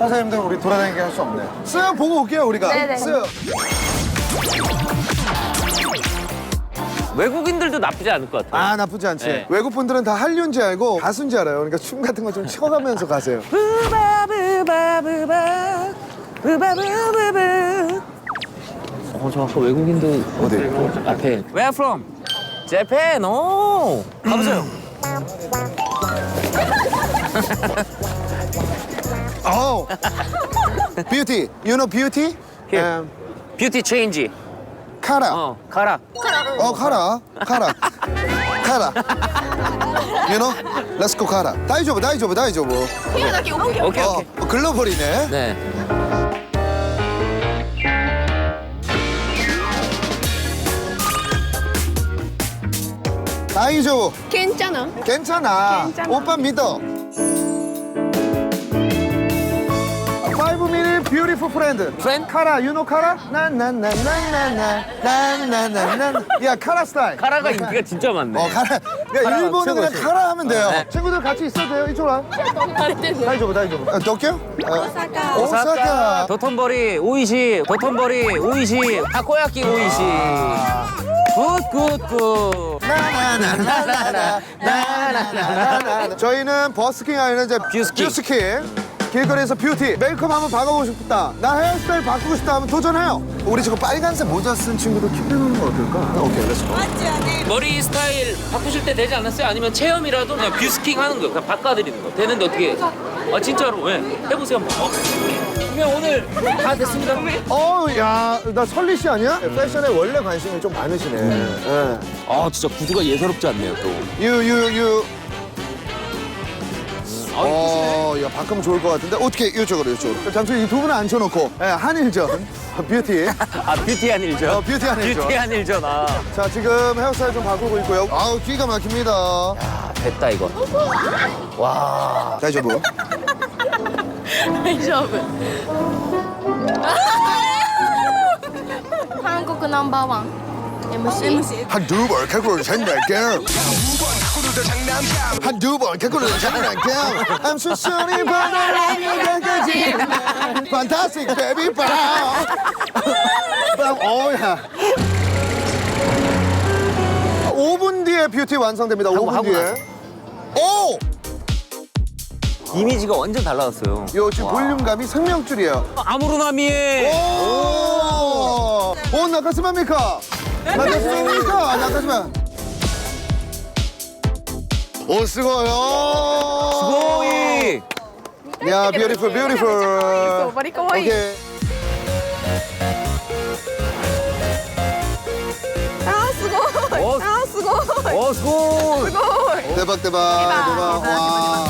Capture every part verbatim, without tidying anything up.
선생님들 우리 돌아다니게 할 수 없네. 수영 보고 올게요, 우리가. 네네. 수영. 외국인들도 나쁘지 않을 것 같아요. 아, 나쁘지 않지. 네. 외국 분들은 다 한류인지 알고 가수인지 알아요. 그러니까 춤 같은 거 좀 치워가면서 가세요. 어, 저 아까 외국인도 어디? 앞에. Where from? Japan. 오. 가보세요. 어. 뷰티. You know beauty? Here. Um, 뷰티 체인지. 카라. 어, 가라. 어, 카라. 카라. 카라. You know? Let's go 카라. 다이조브, 다이조브, 다이조브. 오케이, 어, 오케이. 어, 글로벌이네. 네. 다이조브. 괜찮아. 괜찮아. 괜찮아. 오빠 믿어. Five minute beautiful friend. Friend? 카라, you know 카라? 나나나나나나나나나나. 야, 카라 스타일. 가라가 인기가 진짜 많네. 어, 카라. 야, 카라가 일본은 그냥 최고지. 카라 하면 돼요. 네. 친구들 같이 있어도 돼요. 이쪽으로 와. 다이조브, 다이조브. 어, 도쿄? 오사카. 오사카. 도톤보리 오이시, 도톤보리 오이시, 타코야끼 오이시. 굿굿굿. 나나나나나나나나나. 저희는 버스킹 아니라 이제 뷰스킹. 뷰스킹. 길거리에서 뷰티, 메이크업 한번 바꿔보고 싶다. 나 헤어스타일 바꾸고 싶다 하면 도전해요. 우리 지금 빨간색 모자 쓴 친구도 큐브는 거 어떨까? 오케이, 렛츠고. 머리 스타일 바꾸실 때 되지 않았어요? 아니면 체험이라도 그냥 뷰스킹 하는 거, 그냥 바꿔드리는 거. 되는데 어떻게? 아 진짜로? 왜? 해보세요 한번. 어? 그러면 오늘 다 됐습니다. 어, 야, 나 설리 씨 아니야? 패션에 원래 관심이 좀 많으시네. 예. 아 진짜 구두가 예사롭지 않네요 또. 유, 유, 유. 아 어, 야, 바꾸면 좋을 것 같은데. 어떻게, 이쪽으로, 이쪽으로. 잠시 이 두 분을 앉혀놓고, 예, 한일전. 뷰티. 아 뷰티한 일죠? 어, 뷰티한 일죠. 뷰티한 일죠 나. 자, 지금 헤어스타일 좀 바꾸고 있고요. 아우, 기가 막힙니다. 아 됐다 이거. 와. 다이저브. 다이저브. 한국 넘버원 엠씨. 한두 번 갖고는 장난감. 한두 번 갖고는 장난감. I'm so sorry, but I love you, 끝까지. Fantastic, baby, bam. bam. 어야. 오 분 뒤에 뷰티 완성됩니다. 오 분 하고 뒤에. 나서. 오! 이미지가 완전 달라졌어요. 요 지금 볼륨감이 생명줄이에요. 아무로나미에. 오! 오, 나카스마입니까? 나카스마입니까? 나카스마. 오, 수고요. 고이. 야, beautiful, beautiful. 머리 꼬이. 오케이. 아, 수고. 어. 아, 수고. 어 수고. 대박, 대박, 대박. 대박, 와.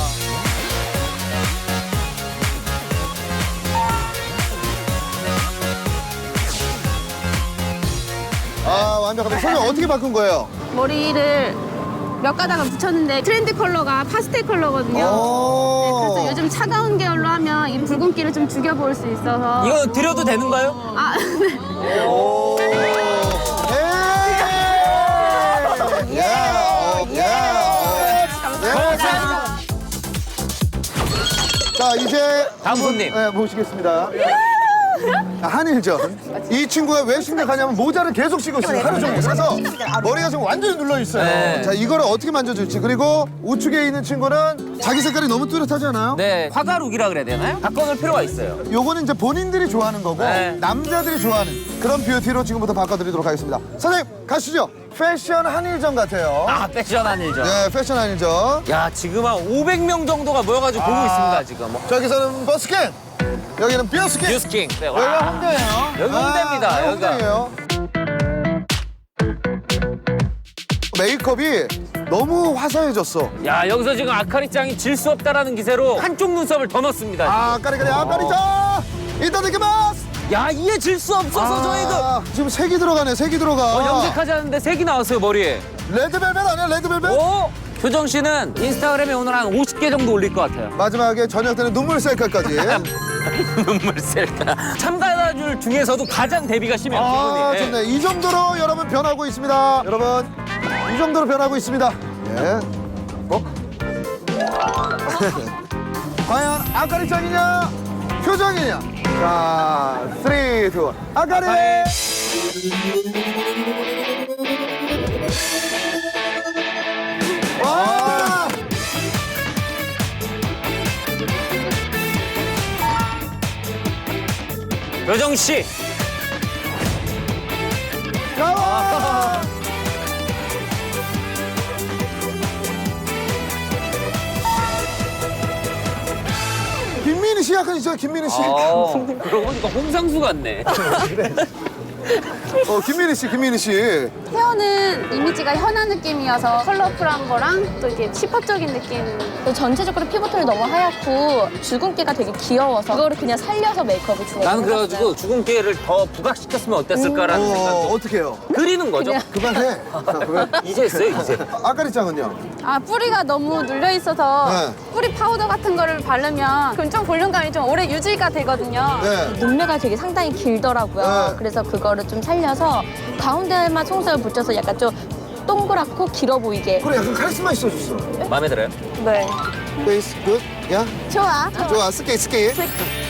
아, 완벽합니다. 선생님 어떻게 바꾼 거예요? 머리를 몇 가닥을 붙였는데 트렌드 컬러가 파스텔 컬러거든요. 그래서 오. 요즘 차가운 계열로 하면 이 붉은기를 좀 죽여볼 수 있어서. 이거 드려도 되는가요? 아, 네. 오. 예. 예. 어, 예. 예. 자, 이제 다음 손님. 네, 모시겠습니다. 자, 한일전. 이 친구가 왜 심각하냐면 모자를 계속 쓰고 있어요. 하루 종일. 그래서 머리가 지금 완전히 눌러 있어요. 네. 자, 이거를 어떻게 만져줄지. 그리고 우측에 있는 친구는 자기 색깔이 너무 뚜렷하지 않아요? 네. 화가룩이라 그래야 되나요? 바꿔놓을 필요가 있어요. 요거는 이제 본인들이 좋아하는 거고 네. 남자들이 좋아하는 그런 뷰티로 지금부터 바꿔드리도록 하겠습니다. 선생님 가시죠. 패션 한일전 같아요. 아 패션 한일죠. 네, 패션 한일전. 야 지금 한 오백 명 정도가 모여가지고 보고 아. 있습니다 지금. 저기서는 버스킹, 여기는 뷰스킹. 뉴스킹. 네, 여기가 와. 홍대예요. 여기 홍대입니다, 아, 여기가. 홍대예요. 메이크업이 너무 화사해졌어. 야 여기서 지금 아카리짱이 질 수 없다라는 기세로 한쪽 눈썹을 더 넣습니다. 아, 까리까리, 아, 까리자. 이따다키마스. 야 이게 질 수 없어서 저희가 지금 색이 들어가네, 색이 들어가. 어, 염색하지 않는데 색이 나왔어요 머리에. 레드벨벳 아니야, 레드벨벳? 오! 효정 씨는 인스타그램에 오늘 한 오십 개 정도 올릴 것 같아요. 마지막에 저녁 때는 눈물 셀카까지. 눈물 셀까. 참가자들 중에서도 가장 데뷔가 심해요. 아, 기분이. 좋네. 이 정도로 여러분 변하고 있습니다. 여러분, 이 정도로 변하고 있습니다. 예. 어? 과연 아카리짱이냐? 표정이냐? 자, 쓰리, 투, 아가리! 와! 여정 씨. 가와! 김민희 씨 약간 있어요, 김민희 씨. 아, 그러고 보니까 홍상수 같네. 어, 김민희 씨, 김민희 씨. 헤어는 이미지가 현아 느낌이어서 컬러풀한 거랑 또 이렇게 힙합적인 느낌. 전체적으로 피부톤이 너무 하얗고 주근깨가 되게 귀여워서 그거를 그냥 살려서 메이크업을 진행을 나는 그래가지고 주근깨를 더 부각시켰으면 어땠을까라는 어, 생각도 어떻게 해요? 그리는 거죠. 그만해. 자, 그만. 이제 했어요, 이제. 아가리 짱은요? 아, 뿌리가 너무 눌려 있어서 네. 뿌리 파우더 같은 거를 바르면 그럼 좀 볼륨감이 좀 오래 유지가 되거든요. 네. 눈매가 되게 상당히 길더라고요. 네. 그래서 그거를 좀 살려서 가운데만 속눈썹을 붙여서 약간 좀 동그랗고 길어 보이게. 그래, 약간 카리스마 있어졌어. 마음에 들어요? 네. 베이스 굿? 야? 좋아. 좋아, 스케이, 스케이.